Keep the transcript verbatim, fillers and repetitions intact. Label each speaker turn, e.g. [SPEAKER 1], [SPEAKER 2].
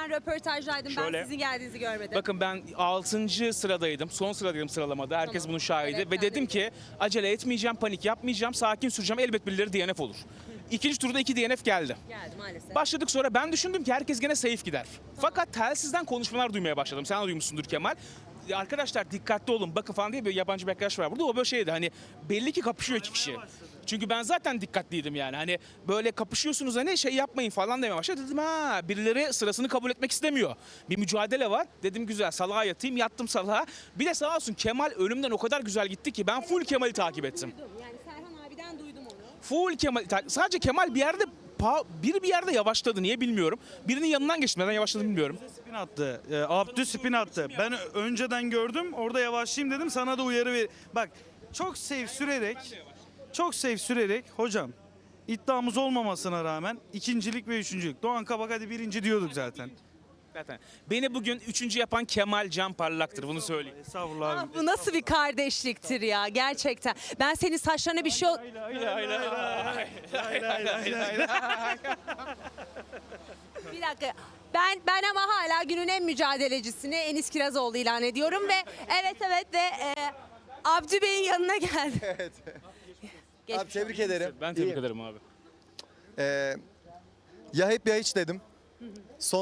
[SPEAKER 1] Ben röportajdaydım.
[SPEAKER 2] Şöyle,
[SPEAKER 1] Ben sizin geldiğinizi görmedim.
[SPEAKER 2] Bakın ben altıncı sıradaydım. Son sıradaydım sıralamada. Herkes
[SPEAKER 1] Tamam.
[SPEAKER 2] bunun şahidi.
[SPEAKER 1] Evet,
[SPEAKER 2] Ve
[SPEAKER 1] ben de
[SPEAKER 2] dedim ki acele etmeyeceğim, panik yapmayacağım, sakin süreceğim. Elbet birileri D N F olur. İkinci turda iki D N F geldi.
[SPEAKER 1] Geldi maalesef.
[SPEAKER 2] Başladık sonra ben düşündüm ki herkes gene safe gider. Fakat telsizden konuşmalar duymaya başladım. Sen de duymuşsundur Kemal. Ya arkadaşlar dikkatli olun bakın falan diye bir yabancı bir arkadaş var burada. O böyle şeydi hani belli ki kapışıyor iki kişi. Çünkü ben zaten dikkatliydim yani. Hani böyle kapışıyorsunuz hani şey yapmayın falan demeye başladı. Dedim ha birileri sırasını kabul etmek istemiyor. Bir mücadele var. Dedim güzel salağa yatayım yattım salağa. Bir de sağ olsun Kemal önümden o kadar güzel gitti ki ben full Kemal'i takip ettim.
[SPEAKER 1] Duydum. Yani Serhan abiden duydum onu.
[SPEAKER 2] Full Kemal. Sadece Kemal bir yerde pa- biri bir yerde yavaşladı. Niye bilmiyorum. Birinin yanından geçti. Neden yavaşladı bilmiyorum.
[SPEAKER 3] Spin attı. E, Abdü spin attı. Ben önceden gördüm. Orada yavaşlayayım dedim. Sana da uyarı ver. Bak çok safe sürerek çok safe sürerek hocam iddiamız olmamasına rağmen ikincilik ve üçüncülük. Doğan Kabak hadi birinci diyorduk zaten.
[SPEAKER 2] Zaten. Beni bugün üçüncü yapan Kemal Can Parlak'tır. Bunu söyleyeyim.
[SPEAKER 3] Estağfurullah
[SPEAKER 1] Ah,
[SPEAKER 3] abi.
[SPEAKER 1] bu nasıl bir kardeşliktir ya gerçekten. Ben senin saçlarına bir şey... ol- Bir dakika. Ben ben ama hala günün en mücadelecisini Enis Kirazoğlu ilan ediyorum ve evet evet ve e, Abdü Bey'in yanına geldi.
[SPEAKER 4] Evet.
[SPEAKER 1] Geçmiş
[SPEAKER 4] Abi tebrik ederim.
[SPEAKER 2] Ben tebrik
[SPEAKER 4] İyiyim.
[SPEAKER 2] ederim abi.
[SPEAKER 4] Ee, ya hep ya hiç dedim. Son